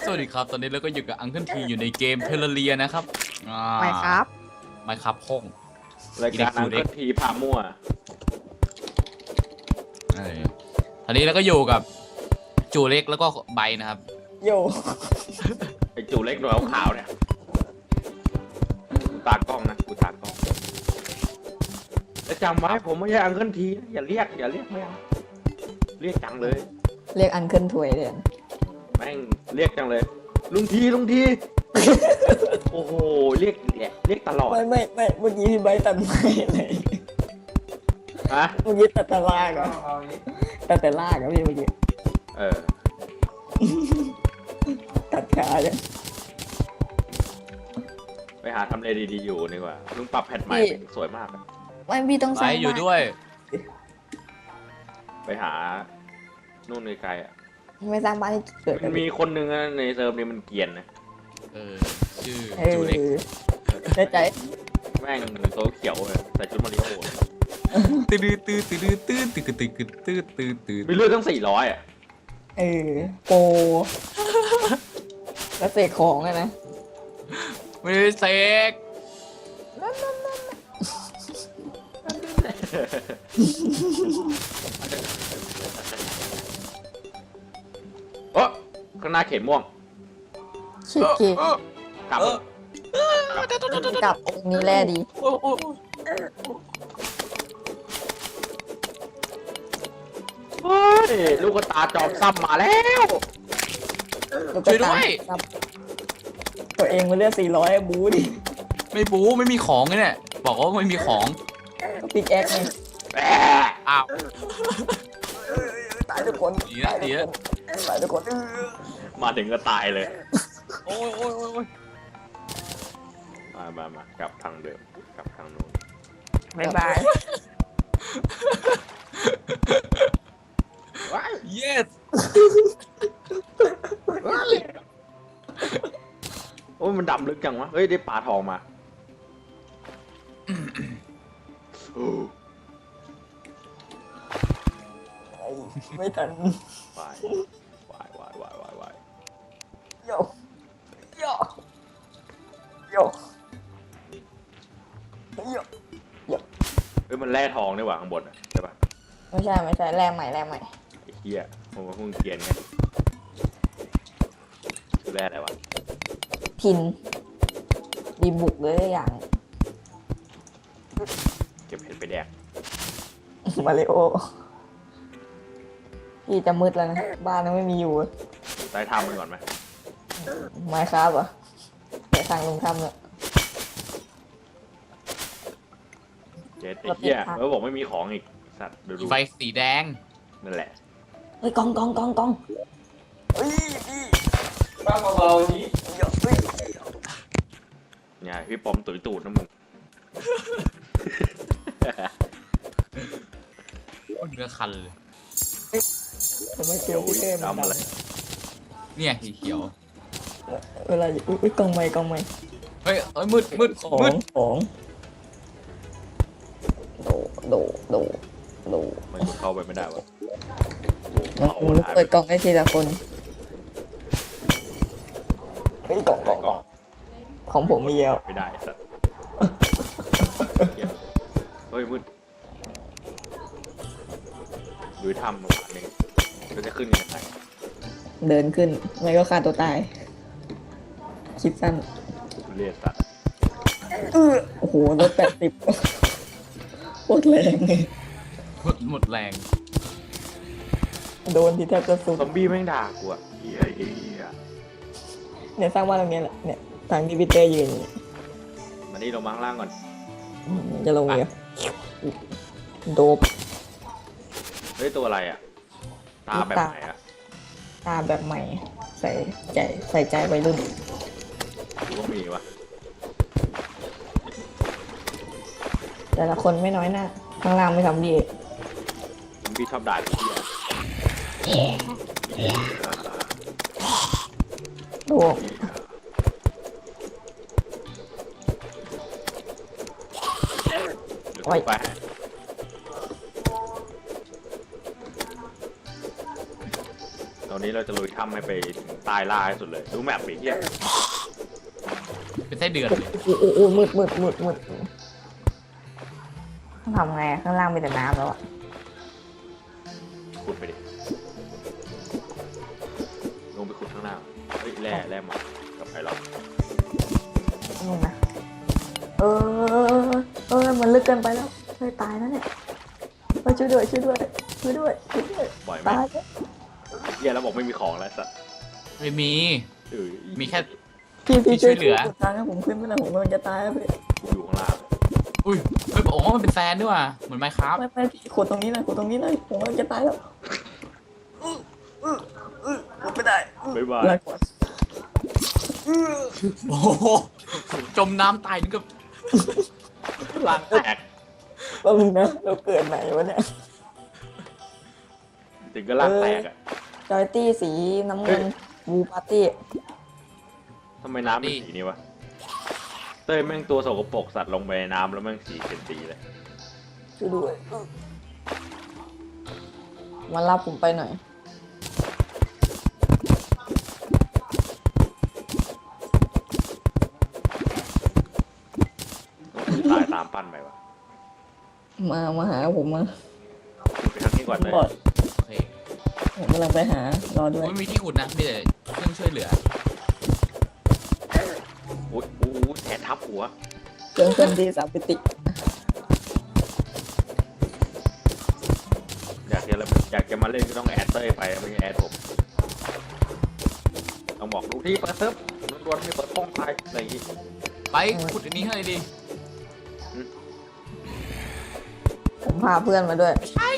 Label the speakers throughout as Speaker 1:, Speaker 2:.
Speaker 1: สวัสดีครับตอนนี้เราก็อยู่กับอังเคิลทีอยู่ในเกมเทเลเรียนะครับ
Speaker 2: ไม่ครับ
Speaker 1: ไม่ครับห้อง
Speaker 3: รายการอังเคิลทีพามั่ว
Speaker 1: ตอนนี้เราก็อยู่กับจูเล็กแล้วก็ใบนะครับ
Speaker 2: โย
Speaker 3: ไอจูเล็กหน่วยขาวๆเนี่ยกูตากล้องนะกูตากล้องแล้วจำไว้ผมไม่ใช่อังเคิลทีนะอย่าเรียกไม่เอาเรียกจังเลย
Speaker 2: เรียกอันเคิลถวยเลย
Speaker 3: แม่งเรียกจังเลย ลุงที โอ้โหเรียกตลอด
Speaker 2: ไม่เมื่อกี้พี่ใบตัดไม่เลย
Speaker 3: ฮะ
Speaker 2: เมื่อกี้ตัดแต่ลากเหรอตัดแต่ลากเหรอพี่เมื่อกี้
Speaker 3: เออ
Speaker 2: ตัดขาเลย
Speaker 3: ไปหาทำเลดีๆอยู่ดีกว่าลุงปรับแพทใหม่สวยมากอะ
Speaker 2: ไม่พี่ต้อง
Speaker 1: ใบ
Speaker 2: สร้าง
Speaker 1: อยู่ด้วย
Speaker 3: ไปหานู่นไกลๆอ่ะ
Speaker 2: ไม่สร้างบ้านให้เกิด
Speaker 3: มันมีคนหนึ่งอะในเซิร์ฟนี้มันเกรียนนะ
Speaker 1: ชื่อ
Speaker 2: เอ
Speaker 1: จูเล็ก
Speaker 2: อใจ
Speaker 3: แม่งโซเขียวเลยใส่ชุดมาริโอ
Speaker 1: ตื้อ
Speaker 3: มีเลือดตั้ง400อ่ะ
Speaker 2: เออโปรแล้วเสกของอะนะ
Speaker 1: ไม่ได้เสก
Speaker 3: โอ้ข้างหน้าเข็มม่วง
Speaker 2: ชิคกี้
Speaker 3: กลับ
Speaker 2: กลับองค์นี้แร่ดี
Speaker 3: เฮ้ยลูกตาจอมซ้ำมาแล้ว
Speaker 1: ช่วยด้วย
Speaker 2: ครับตัวเองมันเลือด400บูดิ
Speaker 1: ไม่บู๊ไม่มีของเลยเนี่ยบอกว่าไม่มีของ
Speaker 2: ปิกแอคไง
Speaker 3: แหม
Speaker 1: อ้าว
Speaker 2: ตายทุกคน
Speaker 1: ดีนะดีนะ
Speaker 2: ตายทุกคน
Speaker 3: มาถึงก็ตายเลย
Speaker 1: โอ้ย
Speaker 3: มากลับทางเดิมกลับทางนู้น
Speaker 2: บ๊ายบาย
Speaker 3: ว้าย
Speaker 1: yes
Speaker 3: โอ้ยมันดำลึกจังวะเฮ้ยได้ปลาทองมาโอ้
Speaker 2: ไม่ทัน
Speaker 3: วายวาย
Speaker 2: โยโยโยโย
Speaker 3: เฮ้ยมันแร่ทองนี่หว่าข้างบนอ่ะใช่ปะ
Speaker 2: ไม่ใช่แรงใหม่
Speaker 3: ไอ้เหี้ยผมว่าเพิ่งเกียนไงชื่อแร่อะไรวะ
Speaker 2: พินดีบุกเลยอย่าง
Speaker 3: เก็บเห็ดไปแดก
Speaker 2: มาริโอพี่จะมืดแล้วนะบ้านยังไม่มีอยู่
Speaker 3: ใต้ทำมันก่อนไหม
Speaker 2: ไม้ครับเหรอเดี๋ยวทางลงถ้ำเนี่ย
Speaker 3: เจ๊ไอ้เหี้ยแล้วบอกไม่มีของอีกสัตว์ดู
Speaker 1: ไฟสีแดง
Speaker 3: นั่นแหละ
Speaker 2: เฮ้ยกองเฮ้ยพี่
Speaker 3: บ้าเบาๆนี้
Speaker 2: เยอะเฮ้ย
Speaker 3: เนี่ยพี่ปอมตุ๋ยตูดนะมึง
Speaker 1: เนื้อคันเลย
Speaker 2: ทำไมเจอพี่เต้มัน
Speaker 3: ดำอะไร
Speaker 1: เนี่ยสีเขียว
Speaker 2: เวลาอุ้ยกองไม้
Speaker 1: เฮ้ยมืด
Speaker 2: ของโด
Speaker 3: มันเข้าไปไม่ได้วะ
Speaker 2: มันเปิดกล่องให้ทีละคนเฮ้ยกล่องของผมมีแล้ว
Speaker 3: ไม่ได้สัตว์เฮ้ยมืดดูถ้ำมาหนึ่งเราจะขึ้นยังไง
Speaker 2: เดินขึ้นไม่ก็ฆ่าตัวตายคิดสั้น
Speaker 3: เรียกสัตว์
Speaker 2: โอ้โหรถ80โคตรแรงเลย
Speaker 1: หมดแรง
Speaker 2: โดนที่แทบจะสุด
Speaker 3: ซอมบี้แม่งด่ากูอะเหี้ย
Speaker 2: เนี่ยสร้างบ้านตรงนี้แหละเนี่ยทางที่พี่เต้ยืนอยู่
Speaker 3: มานี่ลงมาข้างล่างก่อน
Speaker 2: จะลงเนี่ยโดบ
Speaker 3: เฮ้ยตัวอะไรอะตาแบบไหนอะ
Speaker 2: ตาแบบใหม่ ใส่ใจวัยรุ่น
Speaker 3: กูก็มีวะ
Speaker 2: แต่ละคนไม่น้อยหน้าข้างล่างไม่ทำดี
Speaker 3: ซอมบี้ชอบด่ากูเหี้ย
Speaker 2: โดบ
Speaker 3: เดี๋ยวกูไปตรงวันนี้เราจะลุยถ้ำให้ไปถึงใต้ล่าให้สุดเลย ดูแมปดิเฮีย
Speaker 1: เป็นไส้เดือนเลย
Speaker 2: โอ้มืด
Speaker 4: ต้องทำไงข้างล่างมีแต่น้ำแล้วอะ
Speaker 3: ขุดไปดิ ลงไปขุดข้างล่างเฮ้ยแร่หมดกับไผ่หรอก
Speaker 4: นู่นนะมันลึกเกินไปแล้วเฮ้ยตายแล้วเนี่ยเฮ้ยช่วยด้วย
Speaker 3: ปล่อยแม่
Speaker 4: ตาย
Speaker 3: งเฮียแล้วบอกไม่มีของแล้วสัตว์
Speaker 1: ไม่มี
Speaker 3: เออ
Speaker 1: มีแค่
Speaker 2: พี่
Speaker 1: ช่วยเหลือ
Speaker 2: กดทางให้ผมขึ้นไม่ได้ผมกำลังจะตายแล้วพี่
Speaker 3: กูอยู่ข้างล่าง
Speaker 1: อุ้ยไม่บอกว่ามันเป็นแซนด้วยว่ะเหมือนไมค์ครับ
Speaker 2: ไม่พี่ขุดตรงนี้หน่อยผมกำลังจะตายแล้วขุดไม่ได้
Speaker 3: บ๊ายบาย
Speaker 2: ลาก่อน
Speaker 1: โอ้โหจมน้ำตายนึกกับ
Speaker 3: ล่างแตก
Speaker 2: แป๊บนึงนะเราเกิดไหนวะเนี่ย
Speaker 3: ถึงก็ล่างแตกอ่ะ
Speaker 2: จอยตี้สีน้ำเงินบูปาร์ตี้
Speaker 3: ทำไมน้ำเป็นสีนี้วะ เต้ยแม่งตัวสกปรกสัตว์ลงไปในน้ำแล้วแม่งสีเป็นสีเลย
Speaker 2: ช่วยด้วยมารับผมไปหน่อย
Speaker 3: ตายตามปั้นไปวะ
Speaker 2: มาหาผมมา
Speaker 3: ไปทางนี้ก่อนเลย
Speaker 2: บอด
Speaker 1: โอเค
Speaker 2: ผมกำลังไปหารอด้วย
Speaker 1: ไม่มีที่ขุดนะมีแต่เครื่องช่วยเหลือ
Speaker 3: โอ้ยแถะทับหัว
Speaker 2: เครื่องดีสามปิติ
Speaker 3: อยากจะมาเล่นก็ต้องแอดเต้ยไปไม่ใช่แอดผม ต้องบอกลูกที่เปิดเซิร์ฟล้วนๆไม่เปิดป้องใครอะไรอย่างงี้
Speaker 1: ไปขุดอันนี้ให้ดี
Speaker 2: ผมพาเพื่อนมาด้วย
Speaker 1: ใช่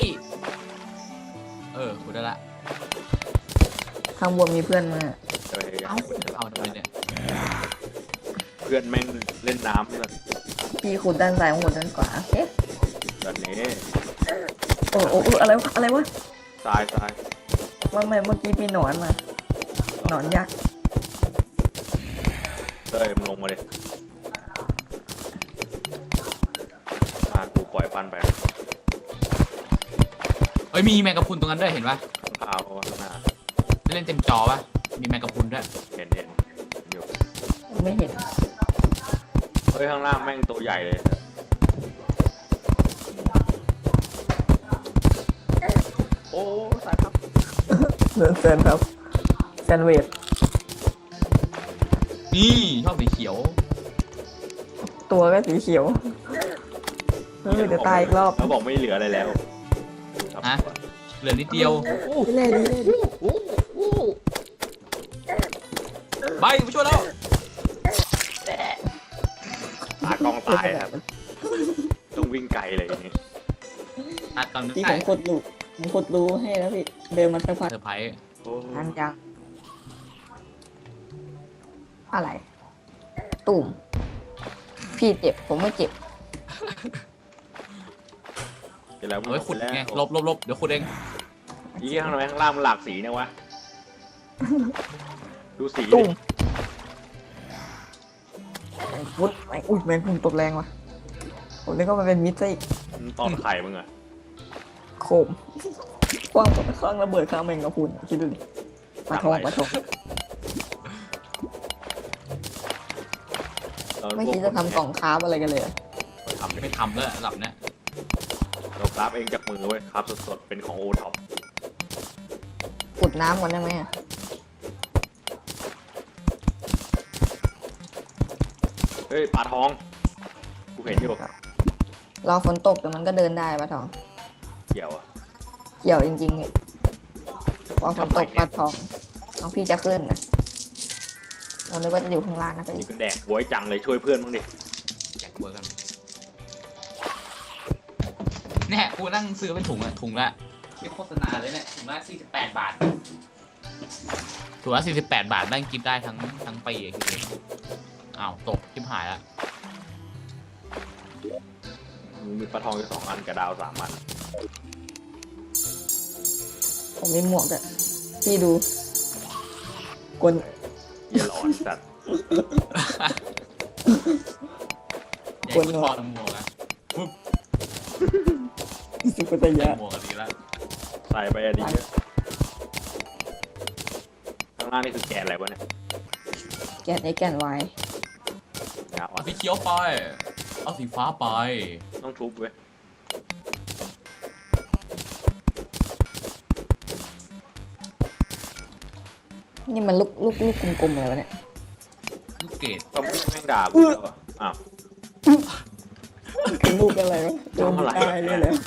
Speaker 1: ขุดได้ละ
Speaker 2: ข้างบนมีเพื่อนมา
Speaker 3: เอ้ยอยาก
Speaker 1: เอ้า
Speaker 3: ให้เปิด
Speaker 1: เอาทำไมเนี่ย
Speaker 3: เพื่อนแม่งเล่นน้ำเลย
Speaker 2: พี่ขุดด้านซ้ายผมขุดด้านขวาโอเค
Speaker 3: ตอนนี้
Speaker 2: โอ้อะไรวะ
Speaker 3: ทราย
Speaker 2: ไม่เมื่อกี้มีหนอนมาหนอนยักษ์
Speaker 3: เต้ยมึงลงมาเลยมากูปล่อยปั้นไป
Speaker 1: เอ้ยมีแมงกะพรุนตรงนั้นด้วยเห็นปะ
Speaker 3: ข้าวข้างหน้า
Speaker 1: เล่นเต็มจอปะมีแมงกะพรุนด้วย
Speaker 3: เห็นอยู่
Speaker 2: ไม่เห็น
Speaker 3: เฮ้ยข้างล่างแม่งตัวใหญ่เลยโอ้สายครับ
Speaker 2: เดินเซนครับแซนเวด
Speaker 1: นี่ชอบสีเขียว
Speaker 2: ตัวก็สีเขียวเดี๋ยวตายอีกรอบ
Speaker 3: แล้วบอกไม่เหลืออะไรแล้ว
Speaker 1: ฮะ เหลือนิดเดียว
Speaker 2: เล่น
Speaker 1: ไปมาช่วยแล้ว
Speaker 3: ตากล้องตายครับต้องวิ่งไกลเลยอย่างนี้
Speaker 1: ตัดก่อนนะ
Speaker 2: ที่ผมขุดรูให้แล้วพี่เดินมาสักพัก
Speaker 1: เซอร์ไพรส์
Speaker 3: โอ้
Speaker 4: อันยังอะไร ตุ่มพี่เจ็บผมไม่เจ็บ
Speaker 3: เดี๋ยวแล้ว
Speaker 1: เอาไว้ขุดไงลบเดี๋ยวขุดเอง
Speaker 3: ยี่ข้างในข้างล่างมันหลากสีเนี่ยวะดูสี
Speaker 2: ตุ่มวุดอุ้ยแมงมุมตกแรงว่ะผมนึกว่ามันเป็นมิสซอีก
Speaker 3: มันตอนไข่มึงอะ
Speaker 2: โคมกว้างข้างระเบิดข้างแมงกะพรุนคิดดูดิปลาทอง ไม่คิดจะทำกล่องคราฟอะไรกันเลย
Speaker 3: ทำ
Speaker 1: ไม่ทำแล้วหลับเนี่ย
Speaker 3: เราคราฟเองจากมือเว้ยคราฟสดๆเป็นของโอท็อป
Speaker 2: ขุดน้ำก่อนได้ไหม
Speaker 3: เฮ้ยปลาทองกูเห็นอยู่
Speaker 2: รอฝนตกแต่มันก็เดินได้ปลาทอง
Speaker 3: เกี่ยวอะ
Speaker 2: เกี่ยวจริงๆเนี่ยพอฝนตกปลาทองน้องพี่จะขึ้นนะเราเลยว่าจะอยู่ข้างล่างนะ
Speaker 3: นี่
Speaker 2: พี่
Speaker 3: ก็แดกบวยจังเลยช่วยเพื่อนมึงดิ
Speaker 1: แจกเบอร์กันเนี่ยกูนั่งซื้อเป็นถุงละไม่โฆษณาเลยเนี่ยถุงละ48 บาทถุงละ48 บาทนั่งกินได้ทั้งปีอะคิดดูอ้าวตกทิมหายละ
Speaker 3: มีปลาทองอยู่2 อันกับดาว3 อัน
Speaker 2: ผมมีหมวกอะพี่ดูกล
Speaker 3: เยี่ยหลอนสัตว์
Speaker 1: อยากกูถอดหมวกอะ
Speaker 2: สุกตยะ
Speaker 1: หมวกกันดีละ
Speaker 3: ใส่ไปอะดีเยอะางล่างนี่คือแกนอะไรวะเนี่ย
Speaker 4: แกน X แกน Y
Speaker 3: งาอ่อ
Speaker 1: เอา
Speaker 3: น
Speaker 1: สีเขียวไป เอาสีฟ้าไป
Speaker 3: ต้องทุบเว้ย
Speaker 4: นี่มันลูกกลมๆอะไรวะเนี่ย
Speaker 1: ลูกเกด
Speaker 3: ต้องแม่งด่ากูแล้วอะอ้าว
Speaker 4: เป็นลูกอะไรวะโดน
Speaker 3: ทำอะไร
Speaker 4: ตายเลยเหรอ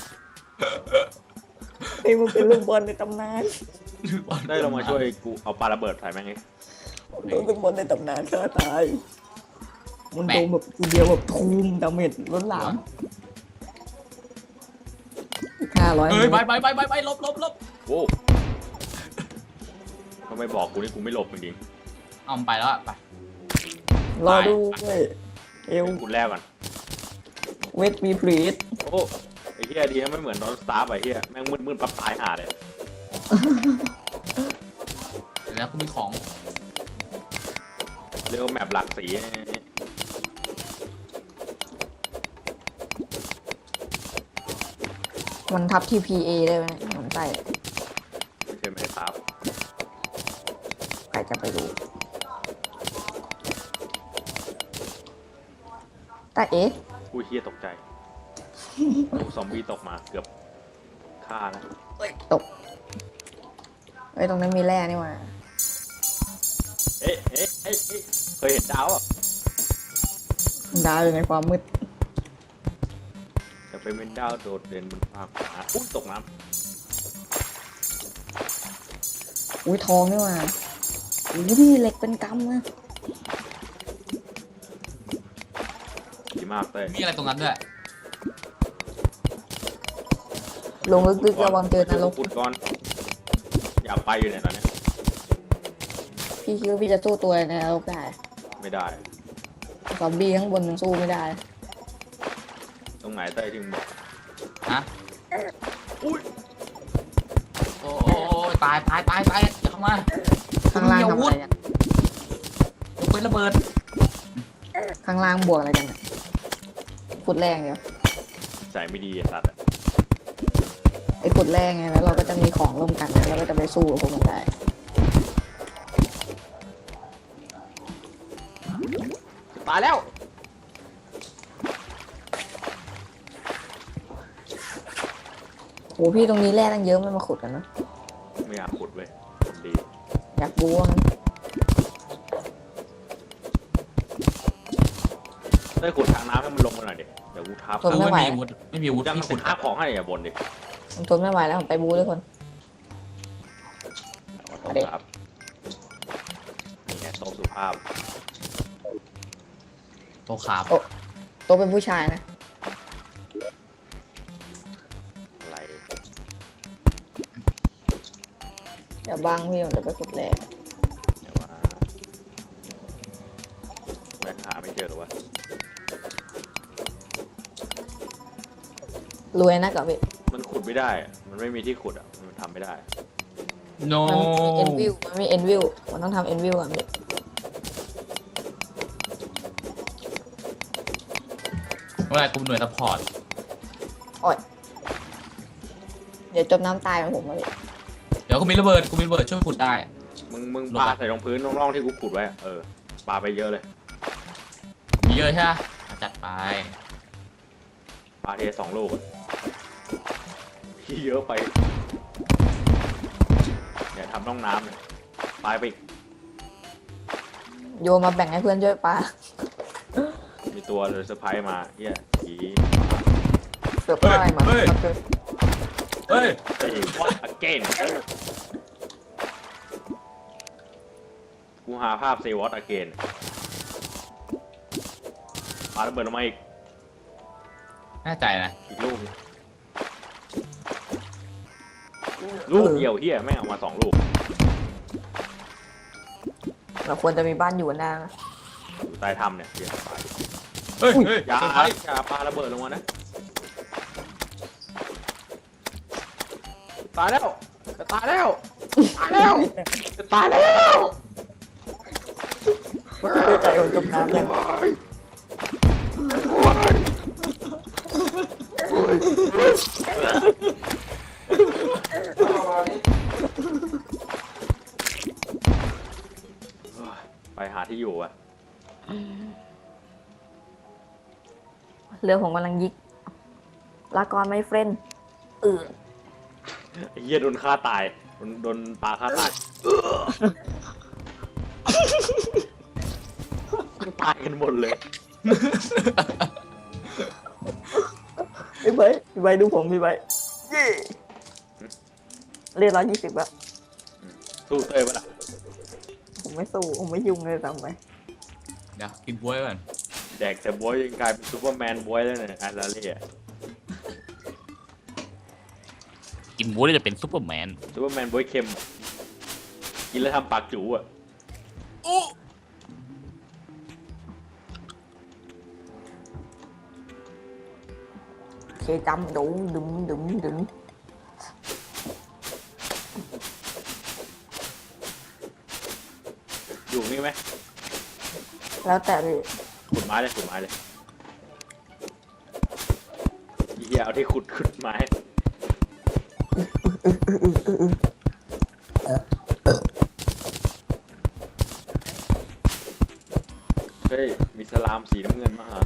Speaker 4: ไอ้มันเป็นลูกบอลในตำนาน
Speaker 3: ได้ลงมาช่วยกูเอาปาระเบิดใส่แม่งไง
Speaker 4: โดนลูกบอลในตำนานฆ่าตายมันโดนแบบทีเดียวแบบทูมดาเมจล้นหลาม500
Speaker 1: เฮ้ยไปลบ
Speaker 3: โว้ทำไมบอกกูนี่กูไม่หลบจริง
Speaker 1: เอามันไปแล้วอะไป
Speaker 4: รอดูเว้ยเอ
Speaker 3: ๆ
Speaker 4: ล
Speaker 3: เดี๋ยวกูแลกก่อน
Speaker 4: เวทมีพลีด
Speaker 3: โอ้ไอ้เหี้ยดีนะไม่เหมือนนอนสตาร์ฟไอ้เหี้ยแม่งมืดๆปั๊บตายห่าเลย
Speaker 1: แล้วกูมีของ
Speaker 3: เรียกว่าแมปหลักสี
Speaker 4: มันทับ TPA ได้ไหมมันใส่
Speaker 3: ไม่ใช่ไม่ครับ
Speaker 4: ใครจะไปรู้แต่เอ๊ะ
Speaker 3: กูเหี้ยตกใจโอ้ซอมบี้ตกมาเกือบฆ่าแล้ว
Speaker 4: ตกเอ้ยตรงนั้นมีแร่นี่หว่า
Speaker 3: เอ๊ะเคยเห็นดาวอ่ะ
Speaker 4: ดาวอยู่ในความมืด
Speaker 3: จะเป็นดาวโดดเด่นบนฟ้าอุ้ยตกน้
Speaker 4: อุ้ยทองนี่หว่าอุ้ยพี่เหล็กเป็นกำนะ
Speaker 3: ำดีมากเลย
Speaker 1: มีอะไรตรงนั้นด้วย
Speaker 4: ลงลึกๆระวังเจอนรก
Speaker 3: ขุดก่อนอยากไปอยู่เนี่ยตอนเนี้ย
Speaker 4: พี่คิดว่าพี่จะสู้ตัวในนรกได้
Speaker 3: ไม่ได้
Speaker 4: ซอมบี้ข้างบนมันสู้ไม่ได้
Speaker 3: ตรงไหนเต้ยที่มึงบอก
Speaker 1: ฮะ อุ้ย โอ้ยตายอย่าเข้ามา
Speaker 4: ข้างล่างทำอะไรกัน
Speaker 1: ยกเป็นระเบิด
Speaker 4: ข้างล่างบวกอะไรกันเนี่ยขุดแรงเดียว
Speaker 3: ใส่ไม่ดีไอ้สัตว์อะ
Speaker 4: ไอ้ขุดแรงไงแล้วเราก็จะมีของร่วมกันแล้วก็จะไปสู้กับพวกมันได้
Speaker 3: ตายแล้ว
Speaker 4: โหพี่ตรงนี้แร่ตั้งเยอะไม่มาขุดกันนะ
Speaker 3: ไม่อยากขุดเว้ยดี
Speaker 4: อยากบูว่างั้น
Speaker 3: เต้ยขุดทางน้ำให้มันลงมาหน่อยดิเดี๋ยวกูทับ
Speaker 4: ทนไม่ไหว
Speaker 1: ไม่มีอาวุธ
Speaker 3: ยัง
Speaker 1: ที่
Speaker 3: ขุ
Speaker 1: ขุ
Speaker 3: ด
Speaker 1: ด
Speaker 3: ทับของให้อย่าบ่นดิ
Speaker 4: ผมทนไม่ไหวแล้วผมไปบูด้วยคน
Speaker 3: เอาครับนี่ไงโต๊ะสุภาพ
Speaker 1: โตขาบ
Speaker 4: ตัวเป็นผู้ชายนะ
Speaker 3: อะไร
Speaker 4: เดี๋ยวบางพี่ผมจะไปขุดแร่
Speaker 3: เดี๋ยวว่าแม่งหาไม่เจอหรอวะ
Speaker 4: รวยนะกับพี่
Speaker 3: มันขุดไม่ได้อะมันไม่มีที่ขุดอ่ะมันทำไม่ได้
Speaker 1: โน
Speaker 4: มันมีเอ็นวิวมันต้องทำเอ็นวิวก่อนพี่
Speaker 1: เมื่อไหร่กูหน่วยซัพพอร์ต
Speaker 4: เดี๋ยวจมน้ำตายเหมือนผมเลย
Speaker 1: เดี๋ยวกูมีระเบิดช่วยขุดได้
Speaker 3: มึงปาใส่ตรงพื้นร่องๆที่กูขุดไว้อะปาไปเยอะเลย
Speaker 1: มีเยอะใช่ไหมจัดไป
Speaker 3: ปาเท2 ลูกอะพี่เยอะไปเนี่ยทำร่องน้ำเนี่ยตายไปอีก
Speaker 4: โยนมาแบ่งให้เพื่อนช่วยปลา
Speaker 3: มีตัวเลยเซอร์ไพรส์มาเฮียผี
Speaker 4: เกือบได้มา
Speaker 1: เฮ้ย เฮ้ย
Speaker 3: ไอ้ what again กูหาภาพ say what again ปาระเบิดลงมาอีก
Speaker 1: แน่ใจนะ
Speaker 3: อีกลูกลูกเดียวเฮียแม่งเอามา2 ลูก
Speaker 4: เราควรจะมีบ้านอยู่หน้านะ
Speaker 3: อยู่ใต้ถ้ำเนี่ยเฮียตาย
Speaker 1: เฮ้ย
Speaker 3: อย่า
Speaker 1: เซอร์ไพรส์
Speaker 3: อย่าปาระเบิดลงมานะตายแล้วจะตายแล้วตายแล้วจะตายแล้ว
Speaker 4: ไม่ใจคนจมน้ำเลย
Speaker 3: ไปหาที่อยู่อะ
Speaker 2: เรือผมกำลังยิกลากรไม่เฟรนเออ
Speaker 3: ไอ้เหี้ยโดนฆ่าตายโดนปลาฆ่าตายตายกันหมดเลย
Speaker 4: พี่ใบพี่ใบดูผมพี่ใบเย่เรียก120แล้ว
Speaker 3: สู้เต้ยปะล่ะ
Speaker 4: ผมไม่สู้ผมไม่ยุ่งเลยทำไป
Speaker 1: เดี๋ยวกินบ๊วยก่อน
Speaker 3: แดกแต่บวยยังกลายเป็นซูเปอร์แมนบวยแล้วเนี่ยอาราเล่
Speaker 1: กินบ๊วยแล้วจะเป็นซุปเปอร์แมน
Speaker 3: ซูเปอร์แมนบวยเค็ม กินแล้วทำปากจู๋อะ
Speaker 4: เคจำดูดึม
Speaker 3: อยู่นี่ไหม
Speaker 4: แล้วแต่พี่
Speaker 3: ขุดไม้เลยไอ้เหี้ยเอาที่ขุดไม้เฮ้ยมีสลามสีน้ำเงินมาฮะ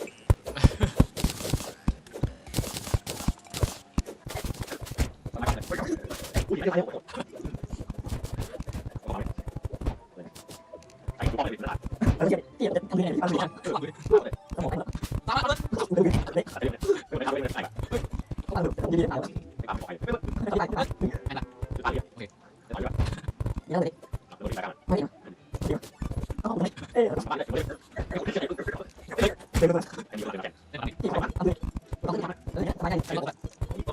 Speaker 3: ไอ้ตัวนี้เป็นอะไร
Speaker 4: แล้วเกี่ยวกับทำยังไงทำยังไงสมอง
Speaker 1: ตามมาเลย
Speaker 3: ไม่ทำไม่ได้
Speaker 4: ยืนเอา
Speaker 3: ตามปล่อย
Speaker 4: ไม่ต้องไป
Speaker 1: โอเค
Speaker 4: ยังเลย
Speaker 3: โดนไปกัน
Speaker 4: ไม่เอาเอ้ย
Speaker 3: บ้านเลย
Speaker 4: เดี๋ยวมา
Speaker 3: อันนี้เราเป็นแกน
Speaker 4: ที่เขาเอาเลยต้องทำอะไรเนี่ยทำอะไร
Speaker 3: ต้นต้น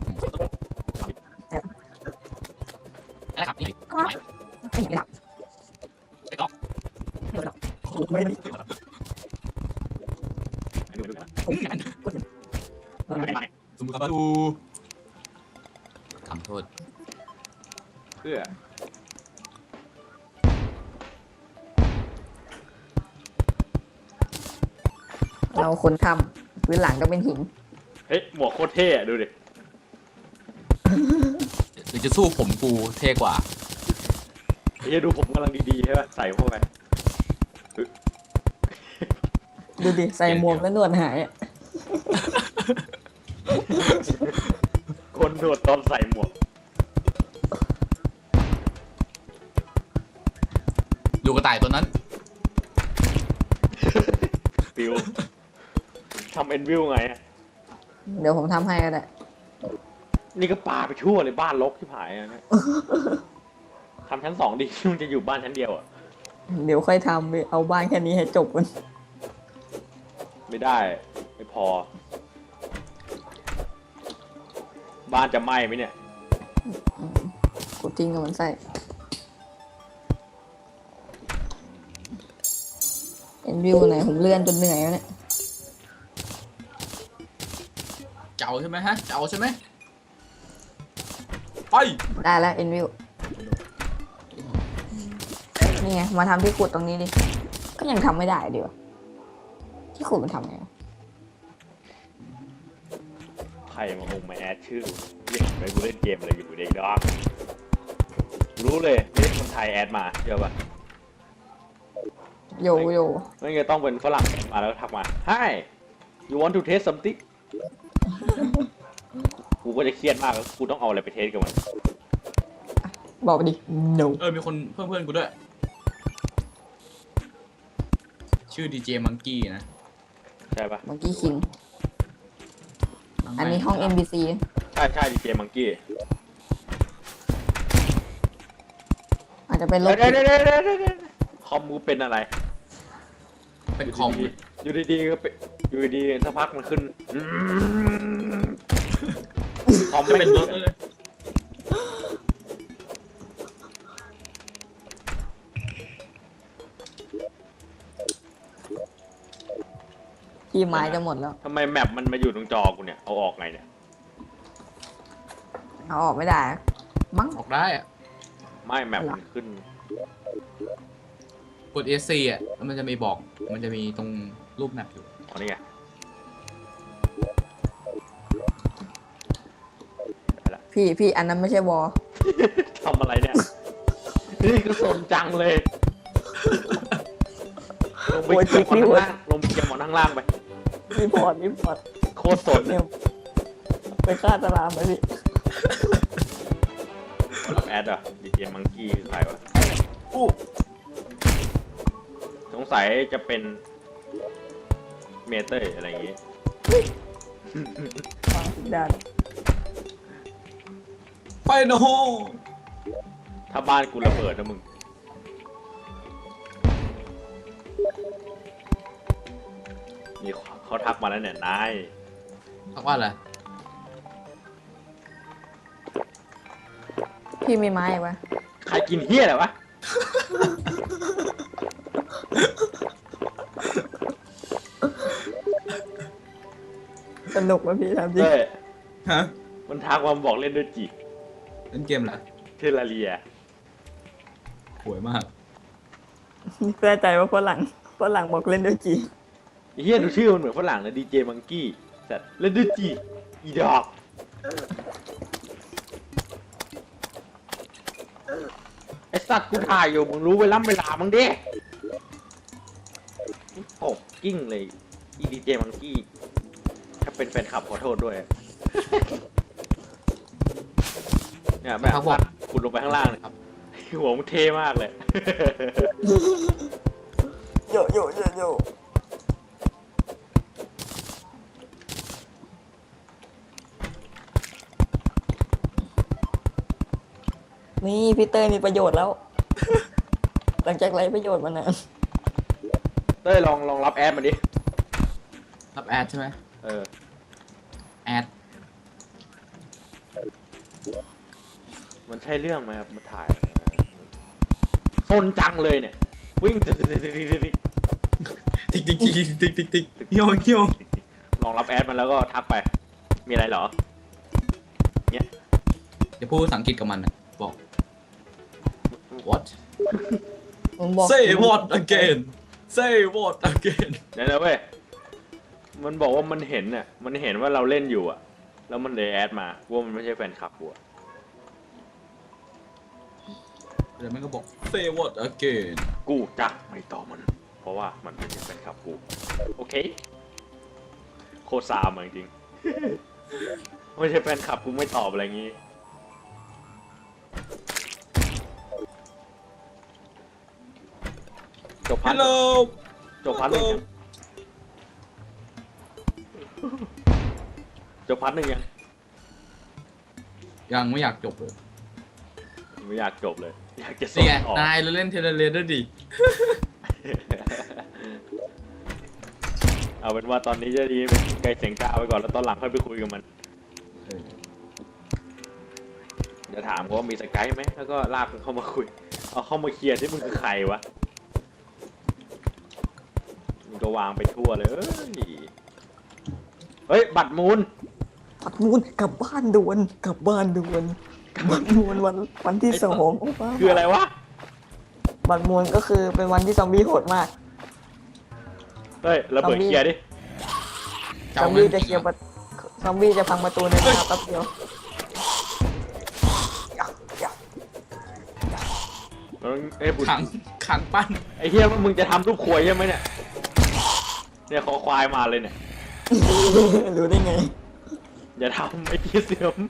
Speaker 1: นะครับนี่
Speaker 4: ไม่เห็นหลับ
Speaker 1: ไปต่อ
Speaker 4: ไม่ได้
Speaker 3: อันนี้ดูนะ
Speaker 1: สมมติว่าดูทำโทษ
Speaker 3: เพื่อ
Speaker 2: เราคนทำพื้นหลังก็เป็นหิน
Speaker 3: เฮ้ยหมวกโคตรเท่ดูดิ
Speaker 1: หรือจะสู้ผมกูเท่กว่า
Speaker 3: ไอ้ดูผมกำลังดีๆใช่ป่ะใส่เข้าไป
Speaker 4: ดูดิใส่หมวกแล้วหนวดหายอ่ะ
Speaker 3: คนโดดตอนใส่หมวก
Speaker 1: ดูกระต่ายตัวนั้น
Speaker 3: ฟิวทำเอ็นวิวไงอะ
Speaker 2: เดี๋ยวผมทำให้ก็ได้
Speaker 3: นี่ก็ปาไปทั่วเลยบ้านรกที่ผายอะเนี่ยทำชั้น 2ดิมันจะอยู่บ้านชั้นเดียวอ่ะ
Speaker 4: เดี๋ยวค่อยทำไปเอาบ้านแค่นี้ให้จบกัน
Speaker 3: ไม่ได้ไม่พอ บ้านจะไหม้ไหมเนี่ย
Speaker 2: กูทิ้งกับมันใส่เอ็นวิวไหนผมเลื่อนจนเหนื่อยแล้วเนี่ย
Speaker 1: เจ้าใช่ไหมฮะ เจ้าใช่ไหมไป
Speaker 2: ได้แล้วเอ็นวิวนี่ไงมาทำที่ขุดตรงนี้ดิก็ยังทำไม่ได้เดี๋ยวที่ขุดมันทำไง
Speaker 3: ใครมาองมาแอดชื่อเรียกไปกูเล่นเกมอะไรอยู่เด็กดอกรู้เลยไม่ใช่คนไทยแอดมาเชื่อป่ะ
Speaker 2: โยโย่
Speaker 3: ไม่งั้นต้องเป็นฝรั่งแอดมาแล้วทักมา Hi you want to taste something กูก็จะเครียดมากแล้วกูต้องเอาอะไรไปเทสกับมัน
Speaker 2: บอกไปดิ no
Speaker 1: มีคนเพื่อนกูด้วย ชื่อดีเจมังกี้นะ
Speaker 3: ใช่ปะ
Speaker 2: เมื่อกี้คิงอันนี้ห้อง NBC
Speaker 3: ใช่ดีเจมังกี้
Speaker 2: อาจจะเป็นรถ
Speaker 3: เดี๋ยวคอมมูเป็นอะไร
Speaker 1: เป็นคอม
Speaker 3: อยู่ดีๆก็เป็นอยู่ดีๆสักพักมันขึ้นคอม
Speaker 1: จะ
Speaker 3: ไม่
Speaker 1: เป็นรถ
Speaker 3: เลย
Speaker 1: เลย
Speaker 2: ที่ไม้จะหมดแล้ว
Speaker 3: ทำไมแมปมันมาอยู่ตรงจอกูเนี่ยเอาออกไงเนี่ย
Speaker 2: เอาออกไม่ได้ มั้ง
Speaker 1: ออกได้อะ
Speaker 3: ไม่แมปมันขึ้น
Speaker 1: กด ESC อ่ะแล้วมันจะมีบอก มันจะมีตรงรูปแมปอยู่
Speaker 3: อ๋อนี่ไงได้ละ
Speaker 2: พี่อันนั้นไม่ใช่วอล
Speaker 3: ทำอะไรเนี่ย นี่ก็สนจังเลยลงไปเกี่ยวข้างล่างลงไปเกี่ยวข้างล่างไป
Speaker 4: รีพอร์ต
Speaker 3: โคตรสน
Speaker 4: เนี่
Speaker 3: เนี่ย ย
Speaker 4: ไปฆ่าตารางไปพี่
Speaker 3: รับแอดอ่ะดีเจมังกี้คือใครวะ
Speaker 4: อู้
Speaker 3: สงสัยจะเป็นเมเตอร์อะไรอย่างงี้
Speaker 4: วางทุกด้าน
Speaker 1: ไปโนโฮ
Speaker 3: ถ้าบ้านกูระเบิดนะมึงนี่เขาทักมาแล้วเนี่ยนาย
Speaker 1: ทักว่าอะไร
Speaker 2: พี่มีไม้ปะ
Speaker 3: ใครกินเฮี้ยอะไรวะ
Speaker 4: สนุกไหมพี่ทำจริง
Speaker 3: เฮ้ย
Speaker 1: ฮะ
Speaker 3: มันทักมาบอกเล่นด้วยจี
Speaker 1: เล่นเกมเหรอ
Speaker 3: เทลาเรีย
Speaker 1: สวยมาก
Speaker 4: แน่ใจว่าฝรั่งบอกเล่นด้วยจี
Speaker 3: ไอ้เฮี้ยดูชื่อมันเหมือนฝรั่งนะดีเจมังกี้แต่เล่นด้วยจีอีดอกไอสัตว์กูถ่ายอยู่มึงรู้เวลามึงดิตกกิ้งเลยอีดีเจมังกี้ถ้าเป็นแฟนคลับขอโทษด้วย เนี่ยแม่ครับคุณลงไปข้างล่างเลยครับหัวมึงเท่มากเลย
Speaker 4: โย นี่พี่เต้ยมีประโยชน์แล้ว หลังจากไร้ประโยชน์มานาน
Speaker 3: เต้ยลองรับแอดมาดิ
Speaker 1: รับแอดใช่ไหม
Speaker 3: เออ
Speaker 1: แอด
Speaker 3: มันใช่เรื่องไหมครับมาถ่ายซนจังเลยเนี่ย วิ่ง
Speaker 1: ติ๊กเฮียว
Speaker 3: ลองรับแอดมันแล้วก็ทักไป มีอะไรเหรอ เนี่ย
Speaker 1: จะพูดภาษาอังกฤษกับมันนะบอก what
Speaker 4: ผมบอก
Speaker 1: say what again say what again
Speaker 3: เดี๋ยวนะเว้ย มันบอกว่ามันเห็นน่ะ มันเห็นว่าเราเล่นอยู่อ่ะ แล้วมันเลยแอดมาว่ามันไม่ใช่แฟนคลับกูอะ
Speaker 1: เดี๋ยวมันก็บอก say what again
Speaker 3: กูจะไม่ตอบมัน เพราะว่ามันไม่ใช่แฟนคลับกู โอเค โคตรซามอะจริงๆ ไม่ใช่แฟนคลับกูไม่ตอบอะไรงี้ จบพัน
Speaker 1: hello
Speaker 3: จบพันหนึ่งยังจบพันหนึ่งยัง
Speaker 1: ยังไม่อยากจบเลย
Speaker 3: ไม่อยากจบเลย อยากจะส่
Speaker 1: นี่
Speaker 3: ง
Speaker 1: ไง
Speaker 3: ออก
Speaker 1: นายเราเล่นเทเลเรด้วยดิ
Speaker 3: เอาเป็นว่าตอนนี้จะดีเป็นไกลเสียงกล้าไว้ก่อนแล้วตอนหลังค่อยไปคุยกับมันจะถามเขาว่ามีสกายไหมแล้วก็ลากมันเข้ามาคุย เอาเข้ามาเคลียร์ที่มึงคือใครวะมึงก็วางไปทั่วเลยเฮ้ยบัตรมูล
Speaker 4: ปัดมูลกลับบ้านด่วนบัตรมูลวันที่2โอ้ป้า
Speaker 3: คืออะไรวะ
Speaker 4: บัตรมูลก็คือเป็นวันที่ซอมบี้โหดมาก
Speaker 3: เฮ้ยระเบิดเคลียร์ดิ
Speaker 4: ซอมบี้จะเคลียร์ซอมบี้จะพังประตูในเวลาแป๊บเดียว
Speaker 3: เอ้ยบุญ
Speaker 1: ขังปั้น
Speaker 3: ไอ้เฮียว่ามึงจะทำรูปควยใช่ไหมเนี่ย เนี่ยคอควายมาเลยเนี่ย
Speaker 4: รู้ได้ไง
Speaker 3: อย่าทำไอ้ที่เสื่อม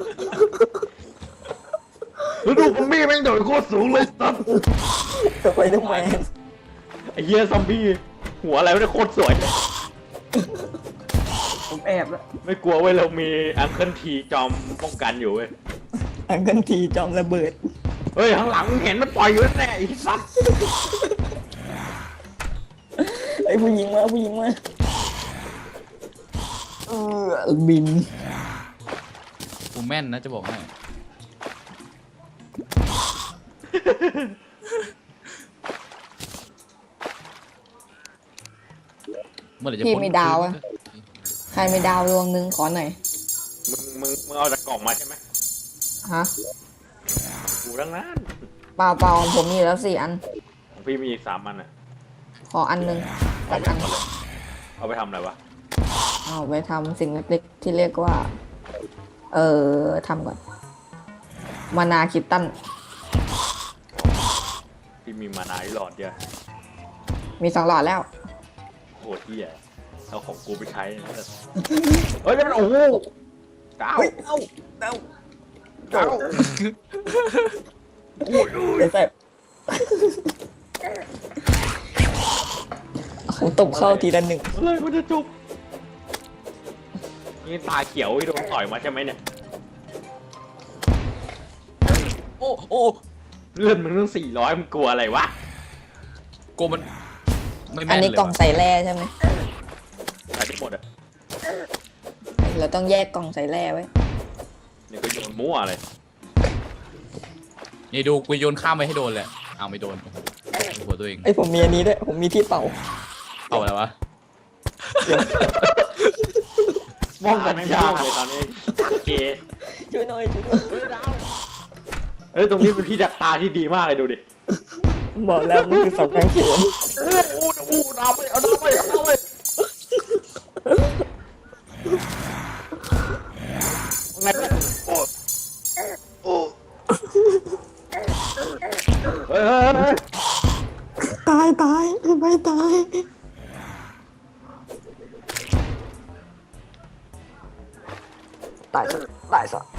Speaker 3: แล้วดูซอมบี้แม่งโดดโคตรสูงเลยสัส
Speaker 4: จะไปทำไม
Speaker 3: ไอ้เฮียซอมบี้หัวอะไรไม่ได้โคตรสวย
Speaker 4: ผมแอบแล้ว
Speaker 3: ไม่กลัวเว้ยเรามีอังเคิลทีจอมป้องกันอยู่เว้ย
Speaker 4: อังกันทีจอมระเบิด
Speaker 3: เฮ้ยข้างหลังมึงเห็นมันปล่อยอยู่แน่ไอ้สัส
Speaker 4: ไอ้ผู้หญิงมาบิน
Speaker 1: กูแม่นนะจะบอกให้เมื่อไหร่จะ
Speaker 2: พี่
Speaker 1: พ้น
Speaker 2: มีดาวอะใครมีดาวดวงนึงขอหน่อย
Speaker 3: มึงเอาจากกล่องมาใช่ไหม
Speaker 2: ฮะ
Speaker 3: กูทั้งนั้น
Speaker 2: เปล่าของผมมีแล้ว4 อัน
Speaker 3: ของพี่มีอีก3 อันอ่ะ
Speaker 2: ขออันนึง
Speaker 3: เอา
Speaker 2: สัก
Speaker 3: ไป
Speaker 2: อัน
Speaker 3: หมดเลยเอาไปทำอะไรวะ
Speaker 2: เอาไปทำสิ่งเล็กๆที่เรียกว่า ทำก่อน มานาคิตตัน
Speaker 3: พี่มีมานาที่หลอดเดียว
Speaker 2: มี2 หลอดแล้ว
Speaker 3: โคตรเหี้ยเอาของกูไปใช้นะเฮ้ยแล้วมันโอ้โหเก้า
Speaker 4: เฮ้ยเอ้า
Speaker 3: เก้า
Speaker 4: เดี๋ยวแสบตบเข้าทีละ1
Speaker 3: เฮ้ยมันจะจบนี่ตาเขียวที่โดนต่อยมาใช่ไหมเนี่ย
Speaker 1: โอ้โอ้
Speaker 3: เลื่อนมึงตั้ง400มึงกลัวอะไรวะ
Speaker 1: กูมันไม่
Speaker 2: อั
Speaker 1: แม่
Speaker 2: น
Speaker 1: น
Speaker 2: นี้
Speaker 1: เลย
Speaker 2: กล่อง
Speaker 1: ว่ะ
Speaker 2: ใส่แร่ใช่ไหม
Speaker 3: ใส่ได้หมดอ่ะ
Speaker 2: เราต้องแยกกล่องใส่แร่ไว้
Speaker 3: นี่ก็โยนมั่วเลย
Speaker 1: นี่ดูกูโยนข้ามไปให้โดนเลยเอาไม่โดนโอ้โหหัวตัวเอง
Speaker 4: ไอยผมมีอันนี้ด้วยผมมีที่เป่า
Speaker 1: เอาอะไรวะ
Speaker 3: มองกันไม่ยากเลยตอนนี้โอเค
Speaker 4: ช่วยหน่อยช่วยหน่อย
Speaker 3: เฮ้ยตรงนี้เป็นที่ดักตาที่ดีมากเลยดูดิ
Speaker 4: บอกแล้วมันคือเสากางเขน
Speaker 3: อู้ดาวไปเอาดาวไปเอาดาวไปไงโอ้โอ้เฮ้ย
Speaker 4: ตายตายไม่ตายตายซะตายซะ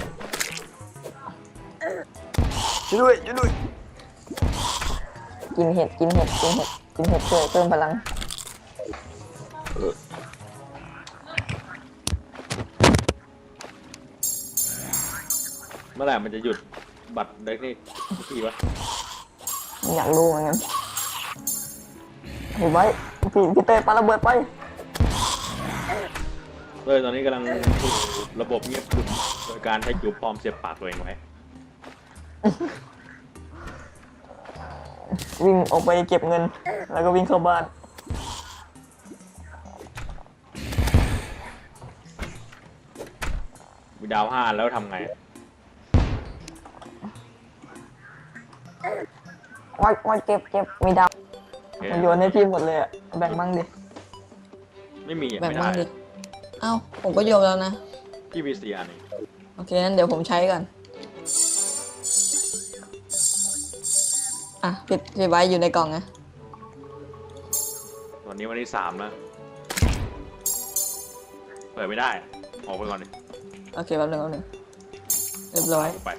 Speaker 4: ช่วยด้วยช่วยด้วย
Speaker 2: กินเห็ดกินเห็ดกินเห็ดกินเห็ดช่วยเพิ่มพลัง
Speaker 3: เมื่อไหร่มันจะหยุดบัตรเด็กนี่ทีวะ
Speaker 2: อยากรู้เหมือนกันเห็นไว้พี่เต้ปาระเบิดไป
Speaker 3: เลยตอนนี้กำลังถูกระบบเงียบกริบโดยการใช้จูบปลอมเสียบปากตัวเองไว้
Speaker 4: วิ่งออกไปเก็บเงิน แล้วก็วิ่งเข้าบ้าน
Speaker 3: มีดาว5แล้วทำไง
Speaker 2: ว่าเก็บมีดาว
Speaker 4: มันโยนให้พี่หมดเลยอะแบ่งมั่งดิ
Speaker 3: ไม่มีอะ
Speaker 2: แบ่ง
Speaker 3: ไม่
Speaker 2: บ้าง
Speaker 3: ได้
Speaker 2: ดิเอ้าผมก็โยนแล้วนะ
Speaker 3: พี่มี4 อันเอง
Speaker 2: โอเคงั้นเดี๋ยวผมใช้ก่อนอ่ะพี่ไว้อยู่ในกล่องนะ
Speaker 3: วันนี้วันที่3แล้วเปิดไม่ได้ออกไปก่อนดิ
Speaker 2: โอเคแป๊บนึงเรียบร้อย
Speaker 3: ไป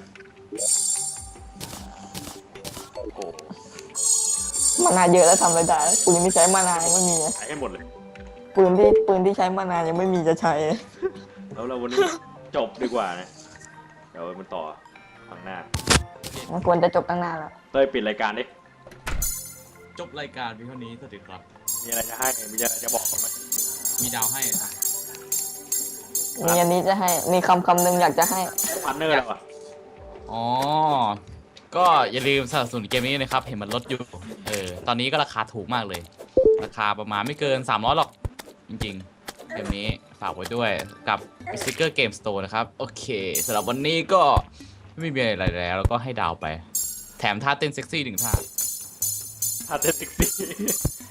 Speaker 3: โอ้โห
Speaker 4: มานาเยอะแล้วทำอะไรได้ปืนที่ใช้มานายังไม่มีอะ
Speaker 3: ใช้ให้หมดเลย
Speaker 4: ปืนที่ใช้มานายังไม่มีจะใช้
Speaker 3: แล้วเราวันนี้จบดีกว่านะเดี๋ยวมันต่อข้างหน้า
Speaker 2: มันควรจะจบตั้งนานแล้ว
Speaker 3: เต้ยปิดรายการดิ
Speaker 1: จบรายการเพียงเท่านี้สวัสดีครับ
Speaker 3: มีอะไรจะให้มีอะไรจะบอกกันไหม
Speaker 1: มีดาวให้อ่ะ
Speaker 2: มีอันนี้จะให้มีคำหนึ่งอยากจะให้
Speaker 3: พาร์ทเนอร์แล้วอ่ะ
Speaker 1: อ๋อก็อย่าลืมสนับสนุนเกมนี้นะครับเห็นมันลดอยู่ตอนนี้ก็ราคาถูกมากเลย ราคาประมาณไม่เกิน300หรอกจริงๆเกมนี้ฝากไว้ด้วยกับ Sticker Game Store นะครับโอเคสำหรับวันนี้ก็ไม่มีอะไรแล้วก็ให้ดาวไป แถมท่าเต้นเซ็กซี่1 ท่า
Speaker 3: พาร์ทเนอร์ติ๊กซี่